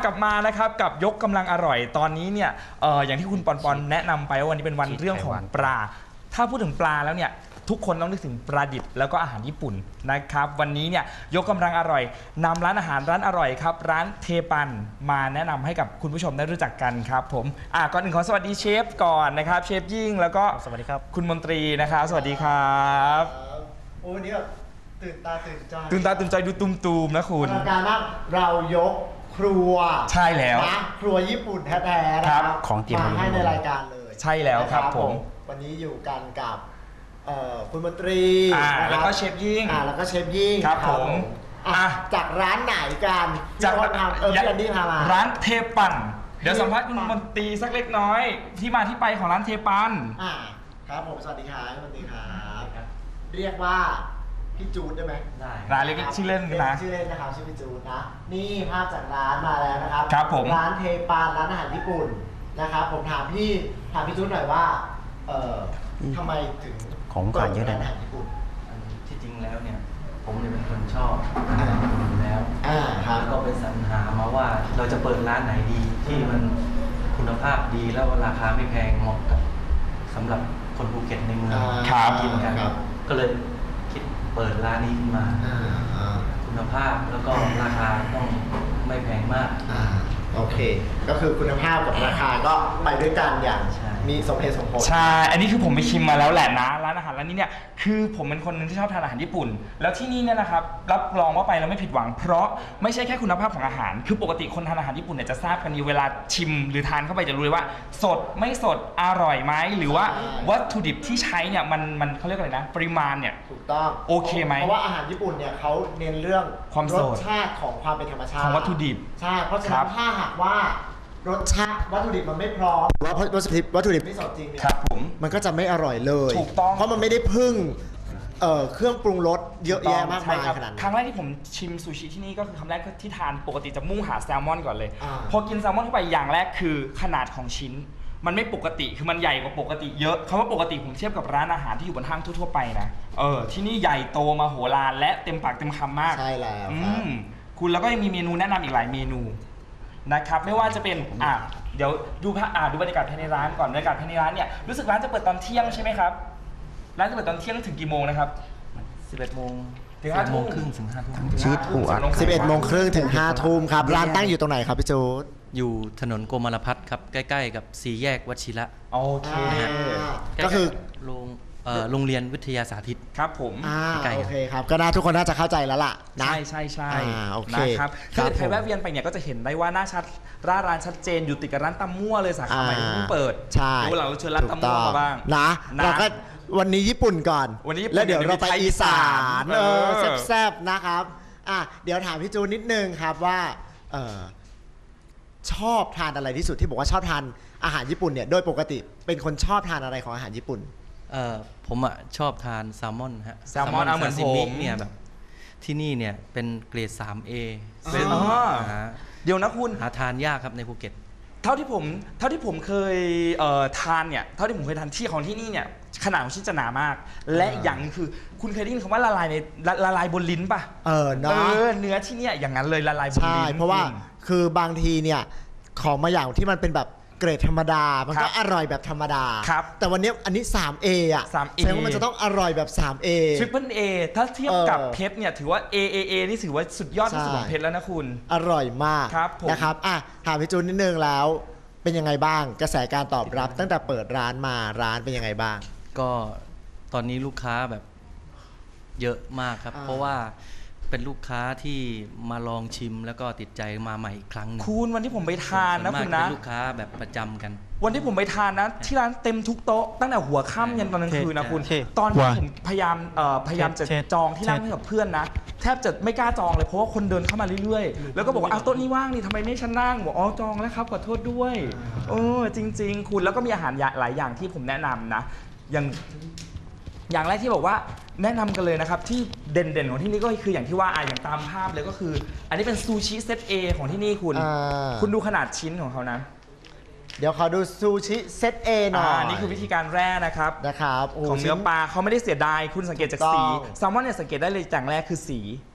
กลับมานะครับกับยกกำลังอร่อยตอนนี้เนี่ยอย่างที่คุณปอนแนะนำไปว่าวันนี้เป็นวันเรื่องของปลาถ้าพูดถึงปลาแล้วเนี่ยทุกคนต้องนึกถึงปลาดิบแล้วก็อาหารญี่ปุ่นนะครับวันนี้เนี่ยยกกำลังอร่อยนำร้านอาหารร้านอร่อยครับร้านเทปันมาแนะนำให้กับคุณผู้ชมได้รู้จักกันครับผมก่อนอื่นขอสวัสดีเชฟก่อนนะครับเชฟยิ่งแล้วก็สวัสดีครับคุณมนตรีนะครับสวัสดีครับโอ้วันนี้แบบตื่นตาตื่นใจดูตุมๆนะคุณการมากเรายกครัวใช่แล้วนะครัวญี่ปุ่นแท้ๆนะครับของเตรียมมาให้ในรายการเลยใช่แล้วครับผมวันนี้อยู่กันกับคุณมนตรีแล้วก็เชฟยิ่งแล้วก็เชฟยิ่งครับผมจากร้านไหนกันจากพี่อันดี้พามาร้านเทปันเดี๋ยวสัมภาษณ์คุณมนตรีสักเล็กน้อยที่มาที่ไปของร้านเทปันครับผมสวัสดีครับมนตรีครับเรียกว่าพี่จูดได้ไหมได้ร้านเล็กชื่อเล่นนะชื่อเล่นนะครับชื่อพี่จูดนะนี่ภาพจากร้านมาแล้วนะครับครับผมร้านเทปันร้านอาหารญี่ปุ่นนะครับผมถามพี่จูดหน่อยว่าทำไมถึงของขวัญเยอะเลยนะที่จริงแล้วเนี่ยผมเนี่ยเป็นคนชอบอาหารญี่ปุ่นอยู่แล้วแล้วก็ไปสรรหามาว่าเราจะเปิดร้านไหนดีที่มันคุณภาพดีแล้วราคาไม่แพงเหมาะกับสำหรับคนภูเก็ตในเมืองกินกันก็เลยคิดเปิดร้านนี้ขึ้นมาคุณภาพแล้วก็ราคาต้องไม่แพงมากโอเคก็คือคุณภาพกับราคาก็ไปด้วยกันอย่างมีสมเหตุสมผลใช่อันนี้คือผมไปชิมมาแล้วแหละนะร้านอาหารร้านนี้เนี่ยคือผมเป็นคนนึงที่ชอบทานอาหารญี่ปุ่นแล้วที่นี่เนี่ยนะครับรับรองว่าไปแล้วไม่ผิดหวังเพราะไม่ใช่แค่คุณภาพของอาหารคือปกติคนทานอาหารญี่ปุ่นเนี่ยจะทราบกันอยู่เวลาชิมหรือทานเข้าไปจะรู้เลยว่าสดไม่สดอร่อยไหมหรือว่าวัตถุดิบที่ใช้เนี่ยมันเขาเรียกอะไรนะปริมาณเนี่ยถูกต้องโอเคไหมเพราะว่าอาหารญี่ปุ่นเนี่ยเขาเน้นเรื่องความรสชาติของความเป็นธรรมชาติของวัตถุดิบใช่เพราะฉะนั้นถ้าหากว่ารสชาติวัตถุดิบมันไม่พร้อมว่าวัตถุดิบไม่สดจริงเนี่ยครับผมมันก็จะไม่อร่อยเลยถูกต้องเพราะมันไม่ได้พึ่งเครื่องปรุงรสเยอะแยะมากมายขนาดนั้นครั้งแรกที่ผมชิมซูชิที่นี่ก็คือคำแรกที่ทานปกติจะมุ่งหาแซลมอนก่อนเลยพอกินแซลมอนเข้าไปอย่างแรกคือขนาดของชิ้นมันไม่ปกติคือมันใหญ่กว่าปกติเยอะคำว่าปกติผมเทียบกับร้านอาหารที่อยู่บนห้างทั่วๆไปนะที่นี่ใหญ่โตมโหฬารและเต็มปากเต็มคำมากใช่แล้วคุณแล้วก็ยังมีเมนูแนะนำอีกหลายเมนูนะครับไม่ว่าจะเป็นเดี๋ยวดูบรรยากาศภายในร้านก่อนบรรยากาศภายในร้านเนี่ยรู้สึกร้านจะเปิดตอนเที่ยงใช่ไหมครับร้านจะเปิดตอนเที่ยงถึงกี่โมงนะครับ 11 โมงถึง5 ทุ่มครึ่งถึง5 ทุ่มชีสปูอัด 11 โมงครึ่งถึง5 ทุ่มครับร้านตั้งอยู่ตรงไหนครับพี่จูดอยู่ถนนโกมารพัฒน์ครับใกล้ๆกับ4 แยกวชิระโอเคก็คือโรงเรียนวิทยาสาธิตครับผมโอเคครับก็น่าทุกคนน่าจะเข้าใจแล้วล่ะนะใช่โอเคนะครับคือใครแวะเวียนไปเนี่ยก็จะเห็นได้ว่าหน้าชัดร้านชัดเจนอยู่ติดกับร้านตำมั่วเลยสาขาใหม่ที่เพิ่งเปิดใช่เราเชิญร้านตำมั่วมาบ้างนะเราก็วันนี้ญี่ปุ่นก่อนวันนี้แล้วเดี๋ยวเราไปอีสานแซ่บๆนะครับเดี๋ยวถามพี่จูนนิดนึงครับว่าชอบทานอะไรที่สุดที่บอกว่าชอบทานอาหารญี่ปุ่นเนี่ยโดยปกติเป็นคนชอบทานอะไรของอาหารญี่ปุ่นผมชอบทานแซลมอนฮะแซลมอนเหมือนผมเนี่ยแบบที่นี่เนี่ยเป็นเกรด 3A เดี๋ยวนะคุณหาทานยากครับในภูเก็ตเท่าที่ผมเคยทานเนี่ยเท่าที่ผมเคยทานที่ของที่นี่เนี่ยขนาดของชิ้นจะหนามากและอย่างคือคุณเคยได้ยินคำว่าละลายบนลิ้นป่ะเนื้อที่เนี่ยอย่างนั้นเลยละลายบนลิ้นใช่เพราะว่าคือบางทีเนี่ยของมาอย่างที่มันเป็นแบบเกรดธรรมดามันก็อร่อยแบบธรรมดาแต่วันนี้อันนี้ 3A แสดงว่ามันจะต้องอร่อยแบบ 3A Triple A ถ้าเทียบกับเพชรเนี่ยถือว่า AAA นี่ถือว่าสุดยอดที่สุดของเพชรแล้วนะคุณอร่อยมากนะครับถามพี่จูนนิดนึงแล้วเป็นยังไงบ้างกระแสการตอบรับตั้งแต่เปิดร้านมาร้านเป็นยังไงบ้างก็ตอนนี้ลูกค้าแบบเยอะมากครับเพราะว่าเป็นลูกค้าที่มาลองชิมแล้วก็ติดใจมาใหม่อีกครั้งนึงคุณวันที่ผมไปทานนะคุณนะเป็นลูกค้าแบบประจำกันวันที่ผมไปทานนะที่ร้านเต็มทุกโต๊ะตั้งแต่หัวค่ำยันตอนกลางคืนนะคุณตอนนี้ผมพยายามจะจองที่นั่งให้กับเพื่อนนะแทบจะไม่กล้าจองเลยเพราะว่าคนเดินเข้ามาเรื่อยๆแล้วก็บอกว่าโต๊ะนี้ว่างนี่ทำไมไม่ฉันนั่งบอกจองแล้วครับขอโทษด้วยจริงๆคุณแล้วก็มีอาหารหลายอย่างที่ผมแนะนำนะอย่างแรกที่บอกว่าแนะนำกันเลยนะครับที่เด่นๆของที่นี่ก็คืออย่างที่ว่าอย่างตามภาพเลยก็คืออันนี้เป็นซูชิเซต A ของที่นี่คุณดูขนาดชิ้นของเขานะเดี๋ยวขอดูซูชิเซต A หน่อยนี่คือวิธีการแร่นะครับของเนื้อปลาเขาไม่ได้เสียดายคุณสังเกตจากสีแซลมอนเนี่ยสังเกตได้เลยอย่างแรกคือสี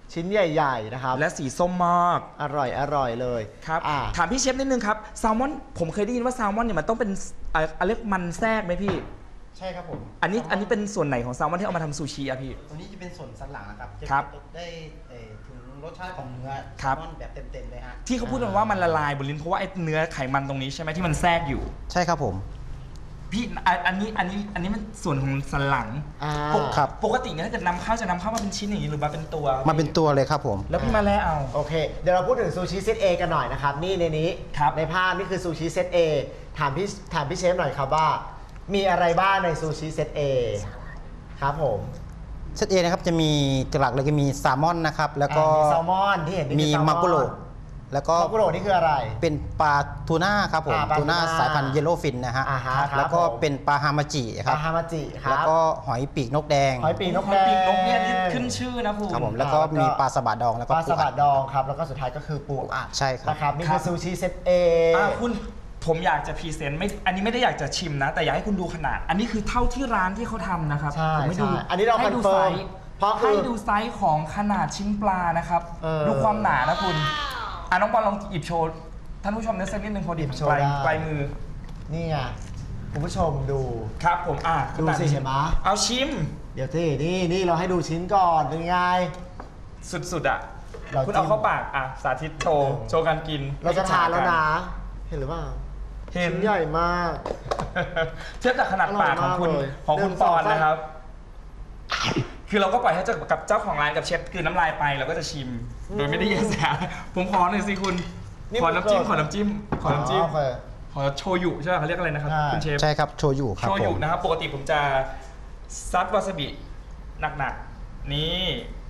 ชิ้นใหญ่ๆนะครับและสีส้มมากอร่อยเลยครับถามพี่เชฟนิดนึงครับแซลมอนผมเคยได้ยินว่าแซลมอนเนี่ยมันต้องเป็นเรียกมันแทรกไหมพี่ใช่ครับผมอันนี้เป็นส่วนไหนของแซลมอนที่เอามาทำซูชิอะพี่ตัวนี้จะเป็นส่วนสันหลังนะครับจะได้ถึงรสชาติของเนื้อแซลมอนแบบเต็มๆเลยฮะที่เขาพูดกันว่ามันละลายบนลิ้นเพราะว่าไอ้เนื้อไขมันตรงนี้ใช่ไหมที่มันแทรกอยู่ใช่ครับผมพี่อันนี้มันส่วนของสันหลังครับปกติเนี่ยถ้าเกิดนำเข้าจะนำเข้ามาเป็นชิ้นอย่างนี้หรือมาเป็นตัวมาเป็นตัวเลยครับผมแล้วพี่มาแล้วเอาโอเคเดี๋ยวเราพูดถึงซูชิเซต A กันหน่อยนะครับนี่ในนี้ในภาพนี่คือซูชิเซต A ถามพี่เชฟหน่อยครับว่ามีอะไรบ้างในซูชิเซต A ครับผมเซต A นะครับจะมีหลักเลยก็มีแซลมอนนะครับแล้วก็แซลมอนที่เห็นมีมากุโรแล้วก็มากุโรนี่คืออะไรเป็นปลาทูน่าครับผมทูน่าสายพันธุ์เยลโล่ฟินนะฮะแล้วก็เป็นปลาฮามาจิครับปลาฮามาจิครับแล้วก็หอยปีกนกแดงหอยปีกนกแดงเนี่ยขึ้นชื่อนะคุณครับผมแล้วก็มีปลาสบะดองแล้วก็ปลาสบะดองครับแล้วก็สุดท้ายก็คือปูอัดใช่ครับนะครับนี่คือซูชิเซต A คุณผมอยากจะพรีเซนต์อันนี้ไม่ได้อยากจะชิมนะแต่อยากให้คุณดูขนาดอันนี้คือเท่าที่ร้านที่เขาทำนะครับผมไม่ดูอันนี้เราให้ดูไซส์ให้ดูไซส์ของขนาดชิ้นปลานะครับดูความหนานะคุณน้องบอลลองหยิบโชว์ท่านผู้ชมสักนิดนึงพอดีปลายมือนี่ไงคุณผู้ชมดูครับผมดูสิเห็นไหมเอาชิมเดี๋ยวที่นี่เราให้ดูชิ้นก่อนเป็นไงสุดๆคุณเอาเข้าปากสาธิตโชว์การกินเราจะทานแล้วนะเห็นหรือเปล่าเห็นใหญ่มากเทียบจากขนาดปากของคุณปอนนะครับคือเราก็ปล่อยให้กับเจ้าของร้านกับเชฟคือน้ำลายไปเราก็จะชิมโดยไม่ได้แยแสผมขอหน่อยสิคุณขอน้ำจิ้มขอโชยุใช่ไหมเขาเรียกอะไรนะครับคุณเชฟใช่ครับโชยุครับโชยุนะครับปกติผมจะซัดวาซาบิหนักๆนี่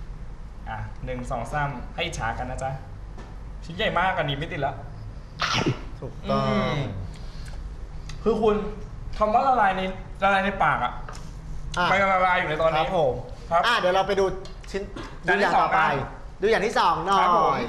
1 2 3ให้ฉากันนะจ๊ะชิ้นใหญ่มากอันนี้ไม่ติดแล้วถูกต้องคือคุณคำว่าละลายในปากไม่ละลายอยู่ในตอนนี้ครับผมเดี๋ยวเราไปดูชิ้นดูอย่างต่อไปดูอย่างที่2หน่อย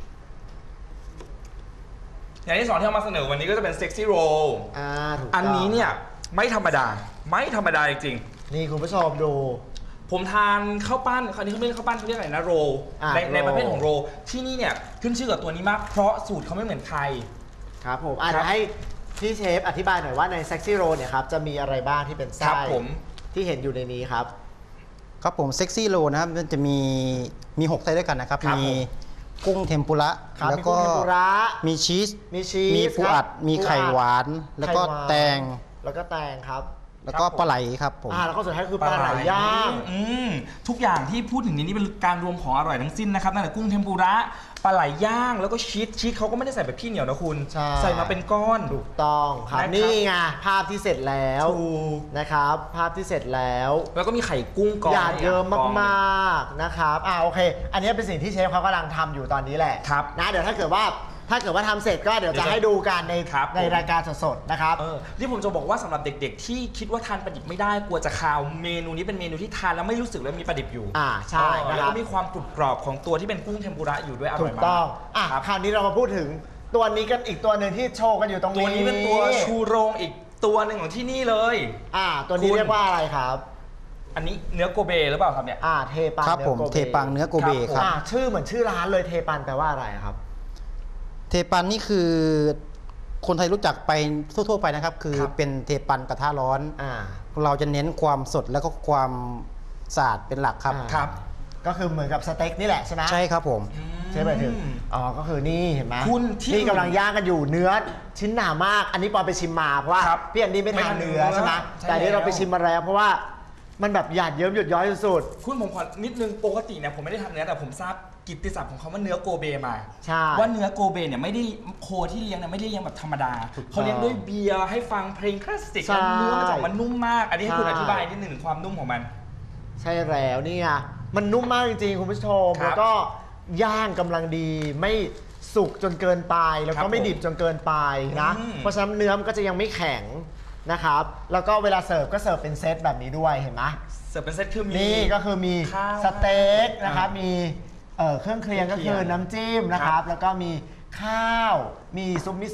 อย่างที่2ที่เอามาเสนอวันนี้ก็จะเป็นเซ็กซี่โรลอันนี้เนี่ยไม่ธรรมดาจริงๆนี่คุณผู้ชมดูผมทานข้าวปั้นคราวนี้เขาไม่เรียกข้าวปั้นเขาเรียกอะไรนะโรลในประเภทของโรลที่นี่เนี่ยขึ้นชื่อกับตัวนี้มากเพราะสูตรเขาไม่เหมือนใครครับผมอาจจะให้พี่เชฟอธิบายหน่อยว่าในเซ็กซี่โรลเนี่ยครับจะมีอะไรบ้างที่เป็นไส้ที่เห็นอยู่ในนี้ครับครับผมเซ็กซี่โรลนะครับมันจะมี6ไส้ด้วยกันนะครับมีกุ้งเทมปุระแล้วก็มีชีสมีปูอัดมีไข่หวานแล้วก็แตงครับแล้วก็ปลาไหลครับผมแล้วก็สุดท้ายคือปลาไหลย่างทุกอย่างที่พูดถึงนี้เป็นการรวมของอร่อยทั้งสิ้นนะครับตั้งแต่กุ้งเทมปุระปลาไหลย่างแล้วก็ชีสเขาก็ไม่ได้ใส่แบบพี่เหนียวนะคุณใส่มาเป็นก้อนถูกต้องครับนี่ไงภาพที่เสร็จแล้วนะครับภาพที่เสร็จแล้วก็มีไข่กุ้งก้อนหยาดเยิ้มมากๆนะครับโอเคอันนี้เป็นสิ่งที่เชฟเขากำลังทำอยู่ตอนนี้แหละนะเดี๋ยวถ้าเกิดว่าทำเสร็จก็เดี๋ยวจะให้ดูกันในรายการสดๆนะครับที่ผมจะบอกว่าสำหรับเด็กๆที่คิดว่าทานปลาดิบไม่ได้กลัวจะคาวเมนูนี้เป็นเมนูที่ทานแล้วไม่รู้สึกเลยมีปลาดิบอยู่ใช่แล้วก็มีความกรุบกรอบของตัวที่เป็นกุ้งเทมปุระอยู่ด้วยอร่อยมากถูกต้องคราวนี้เรามาพูดถึงตัวนี้กันอีกตัวหนึ่งที่โชว์กันอยู่ตรงนี้ตัวนี้เป็นตัวชูโรงอีกตัวหนึ่งของที่นี่เลยตัวนี้เรียกว่าอะไรครับอันนี้เนื้อโกเบหรือเปล่าครับเนี่ยเทปังครับผมเทปังเนื้อโกเบครับชื่อเหมือนชื่อร้านเลยเทปังแปลว่าอะไรครับเทปันนี่คือคนไทยรู้จักไปทั่วๆไปนะครับคือเป็นเทปันกระทะร้อนเราจะเน้นความสดแล้วก็ความสะอาดเป็นหลักครับก็คือเหมือนกับสเต็กนี่แหละใช่ไหมใช่ครับผมใช่ไหมถึงก็คือนี่เห็นไหมคุณที่กำลังย่างกันอยู่เนื้อชิ้นหนามากอันนี้ปอนไปชิมมาเพราะว่าพี่อันนี้ไม่ทานเนื้อใช่ไหมแต่นี้เราไปชิมมาแล้วเพราะว่ามันแบบหยาดเยิ้มหยดย้อยสุดๆคุณผมขอนิดนึงปกติเนี่ยผมไม่ได้ทานเนื้อแต่ผมทราบกิตติศัพท์ของเขาว่าเนื้อโกเบมาว่าเนื้อโกเบเนี่ยไม่ได้โคที่เลี้ยงเนี่ยไม่ได้เลี้ยงแบบธรรมดาเขาเลี้ยงด้วยเบียร์ให้ฟังเพลงคลาสสิกแล้วเนื้อมันจะมันนุ่มมากอันนี้ให้คุณอธิบายนิดหนึ่งถึงความนุ่มของมันใช่แล้วนี่ไงมันนุ่มมากจริงๆคุณผู้ชมแล้วก็ย่างกำลังดีไม่สุกจนเกินไปแล้วก็ไม่ดิบจนเกินไปนะเพราะฉะนั้นเนื้อมันก็จะยังไม่แข็งนะครับแล้วก็เวลาเสิร์ฟก็เสิร์ฟเป็นเซตแบบนี้ด้วยเห็นไหมเสิร์ฟเป็นเซตคือมีนี่ก็คือมีสเต็กนะครับมีเครื่องเคียงก็คือน้ำจิ้มนะครับแล้วก็มีข้าวมีซุปมิโซะ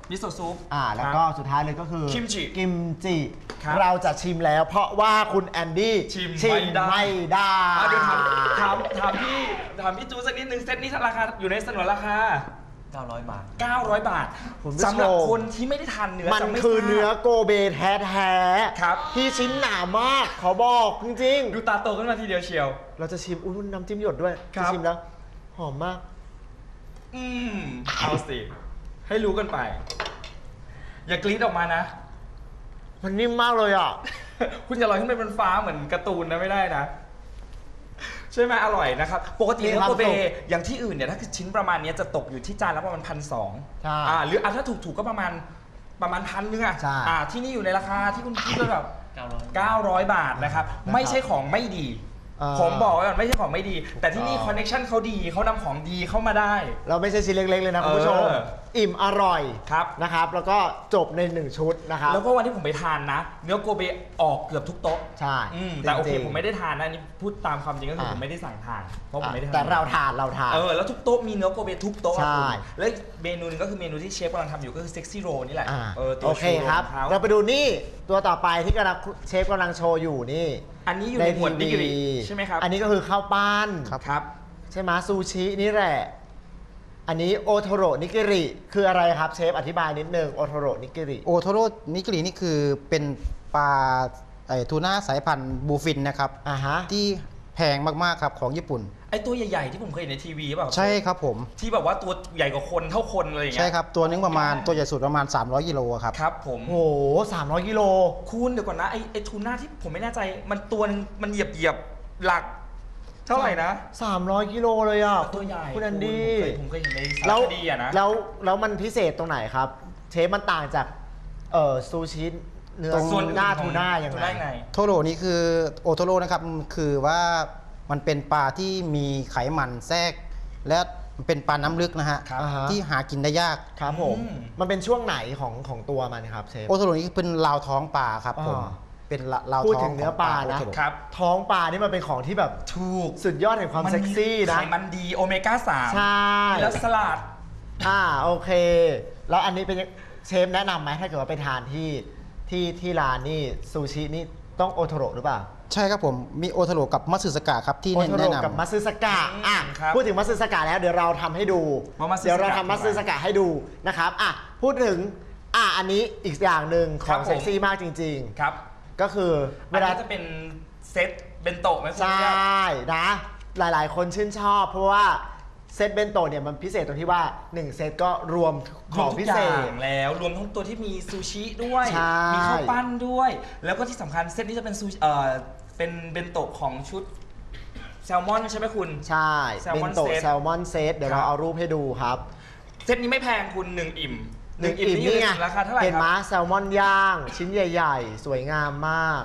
มิโซะซุปแล้วก็สุดท้ายเลยก็คือกิมจิกิมจิครับเราจะชิมแล้ว เพราะว่าคุณแอนดี้ชิมไม่ได้เดี๋ยวถามพี่จูสักนิดนึงเซตนี้ราคาอยู่ในสนนราคา 900 บาท 900 บาทคุณผู้ชมสำหรับคนที่ไม่ได้ทานเนื้อมันจะไม่คือทราบเนื้อโกเบแท้ๆครับที่ชิ้นหนามากขอบอกจริงดูตาโตขึ้นมาทีเดียวเชียวๆ เราจะชิมอุ้ยน้ำจิ้มหยดด้วยครัจะบชิมแล้ว หอมมากเอาสิ ให้รู้กันไป อย่ากรี๊ดออกมานะมันนิ่มมากเลยอ่ะคุณอย่าลอยขึ้นไปบนฟ้าเหมือนการ์ตูนนะไม่ได้นะ ใช่ไหมอร่อยนะครับ ปกติมีเนื้คอวามโกเบสุขอย่างที่อื่นเนี่ยถ้าคือชิ้นประมาณนี้จะตกอยู่ที่จานละประมาณ1,200 ใช่หรือถ้าถูกก็ประมาณ1,000นึงอ่ะใช่ที่นี่อยู่ในราคาที่คุณคิดว่าแบบ 900 900 บาทนะครับ ไม่ใช่ของไม่ดี ผมบอกไว้ก่อนไม่ใช่ของไม่ดี แต่ที่นี่คอนเนคชั่นเขาดีเขานำของดีเข้ามาได้เราไม่ใช่ชิ้นเล็กๆเลยนะคุณผู้ชม อิ่มอร่อยครับนะครับ แล้วก็จบใน1ชุดนะครับแล้วก็วันที่ผมไปทานนะ เนื้อโกเบออกเกือบทุกโต๊ะใช่แต่โอเคจริงๆผมไม่ได้ทานนะอันนี่พูดตามความจริงก็คืออ่ะผมไม่ได้สั่งทานเพราะผมไม่ได้ทานแต่เราทานแล้วทุกโต๊ะมีเนื้อโกเบทุกโต๊ะใช่คุณแล้วเมนูหนึงก็คือเมนูที่เชฟกำลังทำอยู่ก็คือเซ็กซี่โรนี่แหละอ่าตัวโอเคชูโรครับของเขาเราไปดูนี่ตัวต่อไปที่กำลังเชฟกำลังโชว์อยู่นี่อันนี้อยู่ในหมวดนิกริใช่ไหมครับอันนี้ก็คือข้าวปั้นครับใช่ไหมซูชินี่แหละ อันนี้โอโทโรนิกิริคืออะไรครับเชฟอธิบายนิดนึงโอโทโรนิกิริโอโทโร่นิกรินี่คือเป็นปลาทูน่าสายพันธุ์บูฟินนะครับฮะที่แพงมากๆครับของญี่ปุ่นไอตัวใหญ่ๆที่ผมเคยเห็นในทีวีเปล่าใช่ครับผมที่แบบว่าตัวใหญ่กว่าคนเท่าคนอะไรอย่างเงี้ยใช่ครับ ตัวนึงประมาณตัวใหญ่สุดประมาณ 300 กิโลครับครับผมโอ้โห300 กิโลคุณเดี๋ยวก่อนนะไอทูน่าที่ผมไม่แน่ใจมันตัวนึงมันเหยียบหลัก เท่าไหร่นะ 300 กิโลเลยอ่ะตัวใหญ่คุณแอนดี้ผมเคยเห็นในสารแล้วคดีอะนะแล้วมันพิเศษตรงไหนครับ เชฟมันต่างจากซูชิเนื้อส่วนอื่นหน้าของทูน่ายังทูไงน่ายังไงโทโร่นี่คือโอโทโร่นะครับคือว่ามันเป็นปลาที่มีไขมันแทรก และมันเป็นปลาน้ำลึกนะฮะครับที่หากินได้ยากครับผม มันเป็นช่วงไหนของตัวมันครับเชฟโอโทโร่นี่เป็นราวท้องปลาครับผมอ่าเป็นราวพูดท้องถึงเนื้อปลานะโโทโร่ครับท้องปลานี่มันเป็นของที่แบบถูกสุดยอดแห่งความเซ็กซี่นะไขมันดีโอเมก้า 3 ใช่แล้วสลัดโอเค แล้วอันนี้เป็นเชฟแนะนำไหมถ้าเกิดว่าไปทานที่ร้านนี่ซูชินี่ต้องโอโทโร่หรือเปล่าใช่ครับผมมีโอโทโร่กับมัตสึสกะครับที่โอโทโร่แนะนำกับมัตสึสกะครับพูดถึงมัตสึสกะแล้วเดี๋ยวเราทำให้ดูว่ามัตสึสกะเดี๋ยวเราทำมัตสึสกะให้ดูนะครับพูดถึงอันนี้อีกอย่างหนึ่งขครัองบผมเซ็กซี่มากจริงครับๆ ก็คือเวเวลาลาจะเป็นเซตเบนโตะไหมคุณใชพี่่นะ หลายๆ คนชื่นชอบ เพราะว่าเซตเบนโตะเนี่ยมันพิเศษตรงที่ว่า 1 เซตก็รวมขรวอมงทุพิกอเศย่าษงแล้วรวมทั้งตัวที่มีซูชิด้วยใช่มีข้าวปั้นด้วย แล้วก็ที่สำคัญเซตนี้จะเป็นซูชิเป็นเบนโตะของชุดแซลมอนใช่ไหมคุณใช่แซลเบมอนนโตะเซตแซลมอนเซตเดี๋ยวครัเราบเอารูปให้ดูครับเซตนี้ไม่แพงคุณ1 อิ่มหนึ่ง 1 อิ่มอิ่มนี่อยู่นี่ไงในราคาเท่าไหร่เห็นคไหมรับแซลมอนย่าง ชิ้นใหญ่ ๆ สวยงามมาก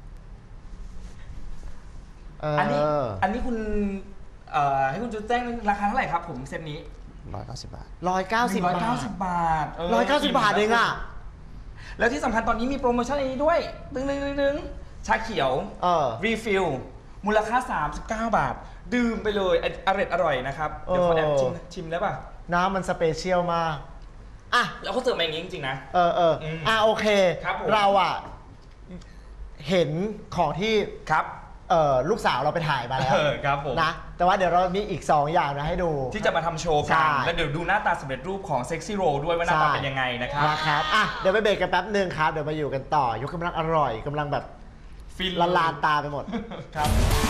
อันนี้คุณให้คุณจุดแจ้งราคาเท่าไหร่ครับผมเซตนี้ 190 บาท 190 บาท 190 บาท 190 บาทเองอ่ะแล้วที่สำคัญตอนนี้มีโปรโมชั่นอันนี้ด้วยตึงชาเขียวรีฟิลมูลค่า39 บาท ดื่มไปเลยอร่อยนะครับ เดี๋ยวขอแอบชิมได้ป่ะน้ำมันสเปเชียลมากแล้วเขาเสิร์ฟมาอย่างนี้จริงๆนะโอเคครับผมเราเห็นของที่ครับลูกสาวเราไปถ่ายมาแล้วครับผมนะ แต่ว่าเดี๋ยวเรามีอีก 2 อย่างนะให้ดูที่จะมาทำโชว์ใช่กัน แล้วเดี๋ยวดูหน้าตาสำเร็จรูปของเซ็กซี่โรด้วยว่าหน้าตาเป็นยังไงนะครับนะครับเดี๋ยวไปเบรกกันแป๊บนึงครับ เดี๋ยวมาอยู่กันต่อยกกำลังอร่อยกำลังแบบฟินละลานตาไปหมดครับ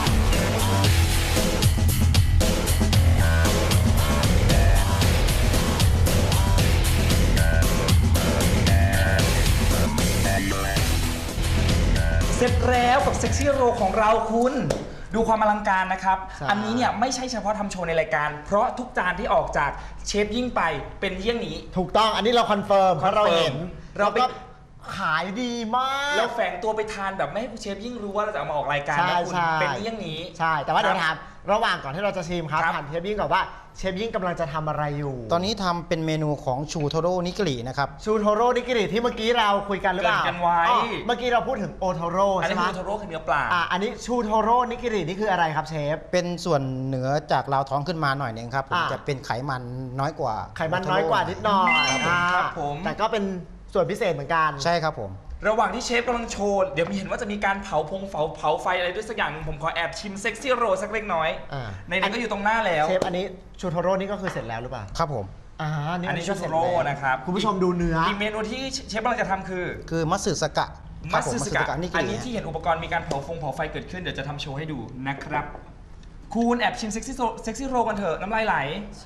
เสร็จแล้วกับเซ็กซี่โรของเราคุณดูความอลังการนะครับใช่อันนี้เนี่ยไม่ใช่เฉพาะทำโชว์ในรายการ เพราะทุกจานที่ออกจากเชฟยิ่งไปเป็นเยี่ยงนี้ถูกต้องอันนี้เราคอนเฟิร์มเพราะเราเห็นเราไปก็ขายดีมากเราแฝงตัวไปทานแบบไม่ให้เชฟยิ่งรู้ว่าเราจะเอามาออกรายการนะคุณเป็นอย่างนี้ใช่แต่ว่าเดี๋ยวถามระหว่างก่อนที่เราจะชิมครับครับถามเชฟยิ่งก่อนว่าเชฟยิ่งกำลังจะทำอะไรอยู่ตอนนี้ทำเป็นเมนูของชูโทโร่นิกรินะครับชูโทโร่นิกิริที่เมื่อกี้เราคุยกันหรือเปล่าเกริ่นกันไว้อ๋อเมื่อกี้เราพูดถึงโอโทโร่อันใช่นี้ไหมคือโทโร่คือเนื้อปลาอันนี้ชูโทโร่นิกิรินี่คืออะไรครับเชฟเป็นส่วนเหนือจากราวท้องขึ้นมาหน่อยหนึงครับผมอ่าจะเป็นไขมันน้อยกว่าไขมันน้อยกว่านิดหน่อยครับผมแต่ก็เป็นส่วนพิเศษเหมือนกันใช่ครับผมระหว่างที่เชฟกำลังโชว์เดี๋ยวมีเห็นว่าจะมีการเผาไฟอะไรด้วยสักอย่างหนึ่งผมขอแอบชิมเซ็กซี่โรสักเล็กน้อยอ่าในนั้นก็อยู่ตรงหน้าแล้วเชฟอันนี้ชูโทโร่นี่ก็คือเสร็จแล้วหรือเปล่าครับผมอันนี้ชูก็โทเสจโร่แล้วนะครับคุณผู้ชมดูเนื้ออีกเมนูที่เชฟกำลังจะทำคือคือมัตสึสกะคมัรับตผมสึสมัตสึกะสกะนิกอันรินี้ที่เห็นอุปกรณ์มีการเผาไฟเกิดขึ้นเดี๋ยวจะทำโชว์ให้ดูนะครับคุณแอบชิมเซ็กซี่โรกันเถอะน้ำลายไหลใช่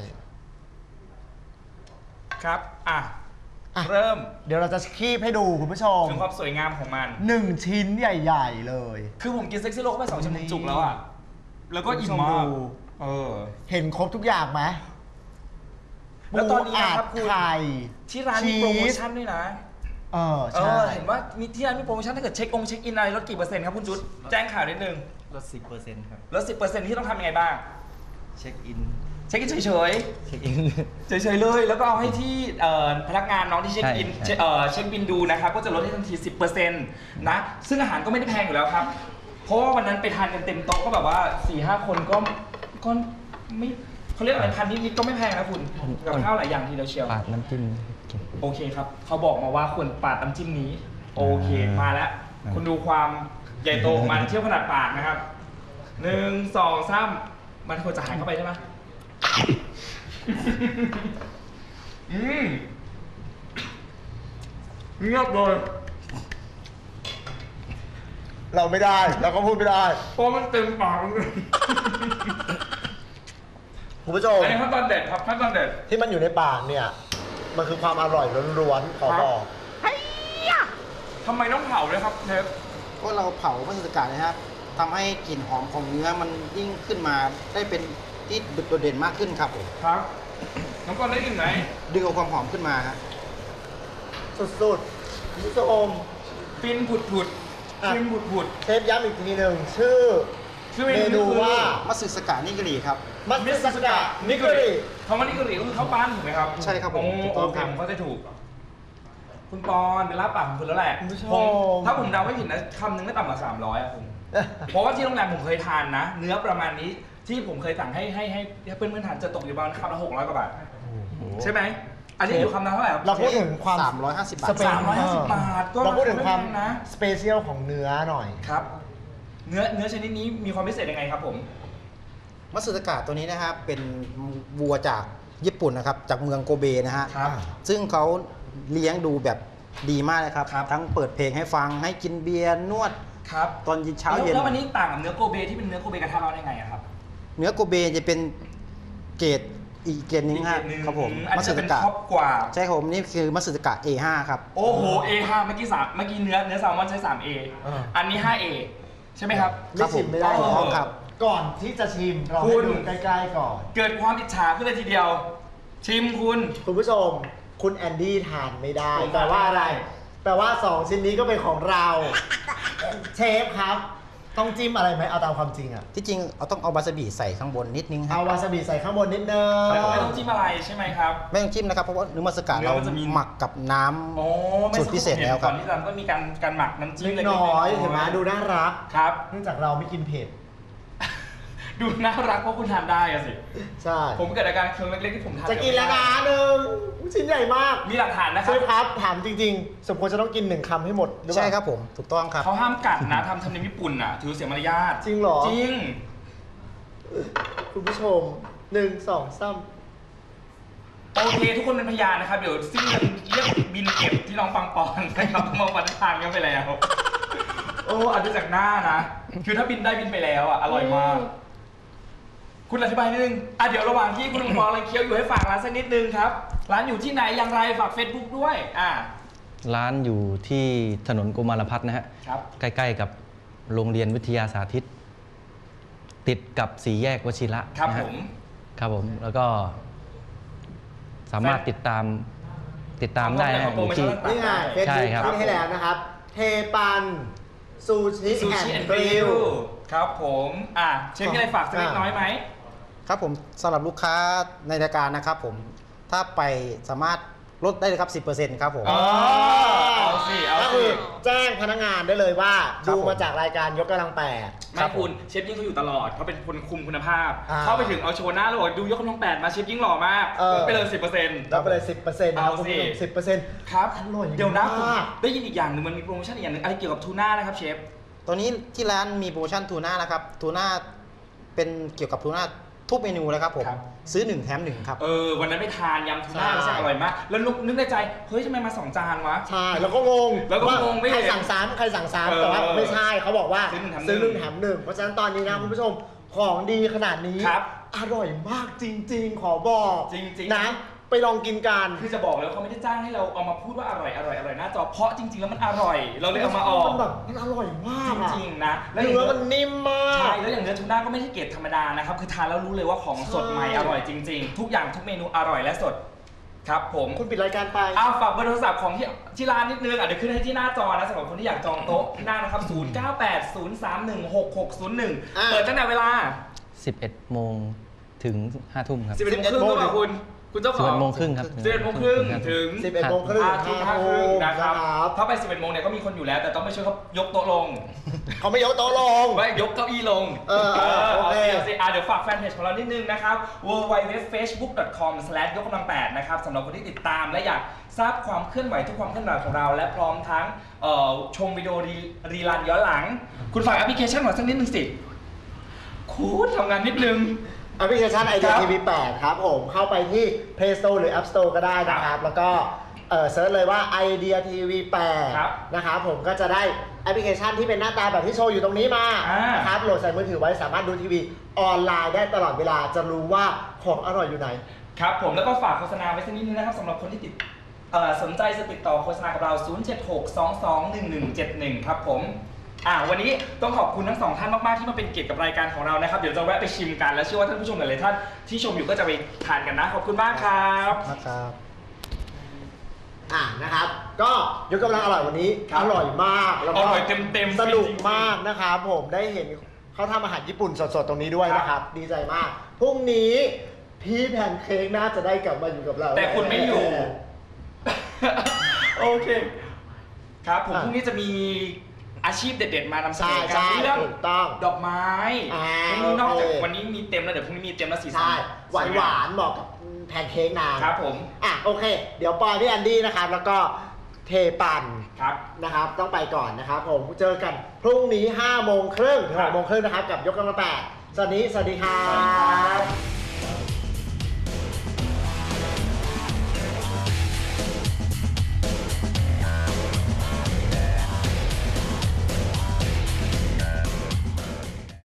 ครับอ่ะอ่ะเริ่มเดี๋ยวเราจะคีบให้ดูคุณผู้ชมถึงความสวยงามของมัน 1 ชิ้นใหญ่ ๆ เลยคือผมกินเซ็กซี่โรเข้าไป2 ชิ้นผมจุกแล้วอ่ะแล้วก็อิ่มคุณผู้ชมากดูเออเห็นครบทุกอย่างไหมแล้วตอนนี้นะครับปูคุณอัดไข่ที่ร้านมีโปรโมชั่นด้วยนะใช่เห็นว่ามีที่ร้านมีโปรโมชั่นถ้าเกิดเช็คอินอะไรลดกี่เปอร์เซ็นต์ครับคุณจุดแจ้งข่าวนิดนึงลด 10%ครับลด 10%ที่ต้องทำยังไงบ้างเช็คอินเช็คอินเฉยเช็คอินๆเฉยๆเลย แล้วก็เอาให้ที่พนักงานน้องที่เช็คอินใช่เช็คบินดูนะครับก็จะลดให้ทันที 10%นะซึ่งอาหารก็ไม่ได้แพงอยู่แล้วครับ เพราะว่าวันนั้นไปทานกันเต็มโต๊ะก็แบบว่า 4-5 คนก็ไม่เขาเรียกอะไรพันนิดๆก็ไม่แพงนะคุณกับข้าวหลายอย่างทีเดียวเชียวปาดน้ำจิ้มกินโอเคครับ เขาบอกมาว่าควรปาดน้ำจิ้มนี้ โอเค มาแล้ว คุณดูความใหญ่โตของมันเทียบขนาดปากนะครับ 1 2 3มันควรจะหายเข้าไปใช่ไหมเงียบเลยเราไม่ได้เราก็พูดไม่ได้เพราะมันเต็มปากเลยคุณผู้ชมอันนี้ขั้นตอนเด็ดครับขั้นตอนเด็ดที่มันอยู่ในปากเนี่ย มันคือความอร่อยล้วนๆขอบอกทำไมต้องเผาเลยครับเชฟก็เราเผามัตสึสกะนะครับทำให้กลิ่นหอมของเนื้อมันยิ่งขึ้นมาได้เป็นที่โดดเด่นมากขึ้นครับผมครับน้องกอนได้กลิ่นไหนดึงเอาความหอมขึ้นมาฮะสุดๆคุณผู้ชมฟินผุดฟินผุดเชฟย้ำอีกทีหนึ่งชื่อชื่อเมเมนูนูคือว่ามัตสึสกะนิกริครับมัตสึสกะนิกริคำว่านิกริก็คือข้าวปั้นถูกไหมครับใช่ครับผมโอ้ถูกต้องโอเคครับผมเข้าใจถูก คุณปอนเป็นลาบปากของคุณแล้วแหละคุณผู้ชมถ้าผมเดาไม่ผิดนะคำหนึงไม่ต่ำกว่า300อะผม เพราะว่าที่โรงแรมผมเคยทานนะ เนื้อประมาณนี้ที่ผมเคยสั่งให้เพื่อนๆทานจะตกอยู่ประมาณคำละ600 กว่าบาทใช่ไหมอันนี้อยู่คำละเท่าไหร่ครับเราพูดถึงความ 350 บาทสเปน 350 บาทก็เราพูดถึงความไม่แพงนะสเปเชียลของเนื้อหน่อยครับ เนื้อชนิดนี้มีความพิเศษยังไงครับผมมัตสึสกะตัวนี้นะครับเป็นวัวจากญี่ปุ่นนะครับจากเมืองโกเบนะฮะครับซึ่งเขาเลี้ยงดูแบบดีมากเลยครับครับทั้งเปิดเพลงให้ฟังให้กินเบียร์นวดครับตอนเช้าเย็นแล้ววันนี้ต่างกับเนื้อโกเบที่เป็นเนื้อโกเบกระทะร้อนยังไงอะครับเนื้อโกเบจะเป็นเกรดอีกเกรดหนึงอีกคเกรัรบดหนึ่งครับผมอันมัตนี้สึจะสเป็นกะท็อปกว่าใช่ครับผมนี่คือมัตสึสกะ A5 ครับโอ้โห A5 เมื่อกี้เนื้อแซลมอนใช้ 3A อันนี้ 5A ใช่ไหมครับครับไม่ชิมไม่ได้ผมหรอกครับก่อนที่จะชิมเราคุให้ณดูใกล้ๆก่อนเกิดความอิจฉาขึ้นเลยทีเดียว ชิมคุณคุณผู้ชม คุณแอนดี้ทานไม่ได้ผมแปลว่าอะไรทานไม่ได้แปลว่า 2 ชิ้นนี้ก็เป็นของเรา เชฟครับ ต้องจิ้มอะไรไหมเอาตามความจริงอะที่จริงเราต้องเอาวาซาบิใส่ข้างบนนิดนึงคเอารับวาซาบิใส่ข้างบนนิดนึงไม่ต้องจิ้มอะไรใช่ไหมครับไม่ต้องจิ้มนะครับเพราะว่าเนื้อมัตสึกะเนื้อเรามันจะมีหมักกับน้โอ้ำสูตรพิเศษแล้วคก่รัอบ นที่จะก็มีการหมักน้ำจิ้มเล็กเล็กๆน้อยๆเห็นไหมดูน่ารักครับเนื่องจากเราไม่กินเผ็ดดูน่ารักเพราะคุณทานได้อะสิใช่ผมเกิดอาการเคืองเล็กๆที่ผมทานจะกินแล้วนะหนึ่งชิ้นใหญ่มากมีหลักฐานนะคเชรับฟครับถามจริงๆ สมควรจะต้องกิน1 คำให้หมดหรือเปล่าใช่ครับผมถูกต้องครับเขาห้ามกัดนะทำธรรมเนียมญี่ปุ่นอ่ะถือเสียมารยาทจริงเหรอจริงคุณผู้ชม 1 2 3 โอเคทุกคนเป็นพยานนะครับ เดี๋ยวซิ่งกันเรียกบินเก็บที่น้องปังปอนนะครับมาวันทางกันไปแล้ว โอ้อาจจะจากหน้านะ คือถ้าบินได้บินไปแล้วอ่ะอร่อยมาก คุณอธิบายนิดนึงอ่ะเดี๋ยวระหว่างที่คุณปังปอนกำลังเคี้ยวอยู่ให้ฝากร้านสักนิดนึงครับ ร้านอยู่ที่ไหนอย่างไรฝาก Facebook ด้วยร้านอยู่ที่ถนนกุมารพัฒน์นะฮะครับใกล้ๆกับโรงเรียนวิทยาสาธิต ติดกับสี่แยกวชิระครับนะผฮะมครับผม แล้วก็สามารถติดตามติดตามได้นะอยู่ที่นี่ไงเฟซใช่บุ๊กครับขึ้นให้แล้วนะครับ เทปันซูชิซูแอชินแอนด์ด์กกริริลลครับผมเชฟมีอะไรฝากสักเล็กน้อยไหมครับผมสำหรับลูกค้าในรายการนะครับผมถ้าไปสามารถลดได้เลยครับ 10%ครับผมอ๋อเอาสิเอาก็สิคือแจ้งพนักงานได้เลยว่าครับดูผมมาจากรายการยกกำลังแปดไม่คุณเชฟยิ่งเขาอยู่ตลอดเขาเป็นคนคุมคุณภาพอ่าเข้าไปถึงเอาโชว์หน้าแล้วบอกดูยกกำลัง8มาเชฟยิ่งหล่อมากเออลดไปเลย 10% รับไปเลย 10%นะครับเอาคุณสิผู้ชม10% ครับอร่อยเดี๋ยวนะผมมากได้ยินอีกอย่างหนึ่งมันมีโปรโมชั่นอีกอย่างหนึ่งอะไรเกี่ยวกับทูน่านะครับเชฟตัวนี้ที่ร้านมีโปรโมชั่นทูน่านะครับทูน่าเป็นเกี่ยวกับทูน่าทุกเมนูเลยครับผมครับซื้อ1แถม1ครับวันนั้นไปทานยำทูน่าใช่รู้สึกอร่อยมาก แล้วนึกในใจเฮ้ยทำไมมา2จานวะใช่แล้วก็งงแล้วก็งงไม่ใครเห็นสั่งซ้ำใครสั่งเออซ้ำแต่ว่าไม่ใช่เขาบอกว่าซื้อหนึ่งแถมหนึ่งซื้อหนึ่งแถมหนึ่งเพราะฉะนั้นตอนนี้นะคุณผู้ชมของดีขนาดนี้ครับอร่อยมากจริง ๆ ขอบอกจริงๆนะไปลองกินกันคือจะบอกเลยว่าเขาไม่ได้จ้างให้เราเอามาพูดว่าอร่อยหน้าจอเพราะจริง ๆ แล้วมันอร่อย เราเลยเอามาออกมันแบบมันอร่อยมากจอะริงๆนะแล้วเนื้อมันนิ่มมากใช่แล้วอย่างเนื้อทูน่าก็ไม่ใช่เกรดธรรมดานะครับคือทานแล้วรู้เลยว่าของสดใหม่ใช่อร่อยจริง ๆ ทุกอย่างทุกเมนูอร่อยและสดครับผมคุณปิดรายการไปฝากเบอร์โทรศัพท์ของที่ร้านนิดนึงเดี๋ยวขึ้นให้ที่หน้าจอนะสำหรับคนที่อยากจองโต๊ะที่นั่งนะครับ 0980316601 เปิดตั้งแต่เวลา 11 โมงถึง 5 ทุ่มครับ 11 โมงครึ่งหรือเปล่าคุณเจ้าของ 11 โมงครึ่งครับ 11 โมงครึ่งถึง 11 โมงครึ่งทุ่ม 5 ครึ่งนะครับนะครับถ้าไป 11 โมงเนี่ยก็มีคนอยู่แล้ว แต่ต้องไปช่วยเขายกโต๊ะลงเขาไม่ยกโต๊ะลงไม่ยกเก้าอี้ลงเออโอเคาสิเดี๋ยวฝากแฟนเพจของเรานิดนึงนะครับ www.facebook.com/ ยกกำลัง8นะครับสำหรับคนที่ติดตามและอยากทราบความเคลื่อนไหวทุกความเคลื่อนไหวของเรา และพร้อมทั้งชมวิดีโอรีรันย้อนหลัง คุณฝากแอปพลิเคชันของสักนิดนึงสิคุณทำงานนิดนึงแอปพลิเคชันค Idea รับ TV 8 ครับผมเข้าไปที่ Play Store หรือ App Store ก็ได้นะครับ แล้วก็เซิร์ชเลยว่า Idea TV ครับ 8 นะครับผมก็จะได้แอปพลิเคชันที่เป็นหน้าตาแบบที่โชว์อยู่ตรงนี้มา นะครับโหลดใส่มือถือไว้สามารถดูทีวีออนไลน์ได้ตลอดเวลาจะรู้ว่าของอร่อยอยู่ไหนครับผมแล้วก็ฝากโฆษณาไว้สักนิดนึงนะครับสำหรับคนที่สนใจจะติดต่อโฆษณากับเรา 076221171 ครับผมวันนี้ต้องขอบคุณทั้งสองท่านมากๆที่มาเป็นเกียรติกับรายการของเรานะครับเดี๋ยวจะแวะไปชิมกันและเชื่อว่าท่านผู้ชมหลายๆท่านที่ชมอยู่ก็จะไปทานกันนะขอบคุณมากครับนะครับนะครับ ก็ยกกำลังอร่อยวันนี้ครับอร่อยมากแล้วก็อร่อยเต็มๆสนุกจริงๆมากนะครับผมได้เห็นเขาทำอาหารญี่ปุ่นสดๆตรงนี้ด้วยนะครับ ดีใจมากพรุ่งนี้พี่แพนเค้กน่าจะได้กลับมาอยู่กับเราแต่คุณไม่อยู่ โอเคครับผมพรุ่งนี้จะมีอาชีพเด็ดๆมานำเสนใช่อกัใช่เรื่องถูกต้องดอกไม้ นอกจากวันนี้มีเต็มแล้วเดี๋ยวพรุ่งนี้มีเต็มแล้วสีสันใช่หวานหวานๆเหมาะกับแพนเค้กนางครับผมโอเค เดี๋ยวปอยพี่แอนดี้นะครับแล้วก็เทปันครับนะครับต้องไปก่อนนะครับผมเจอกันพรุ่งนี้5 โมงครึ่งถึงครับ 6 โมงครึ่งนะครับกับยกกำลัง8สวัสดีครับ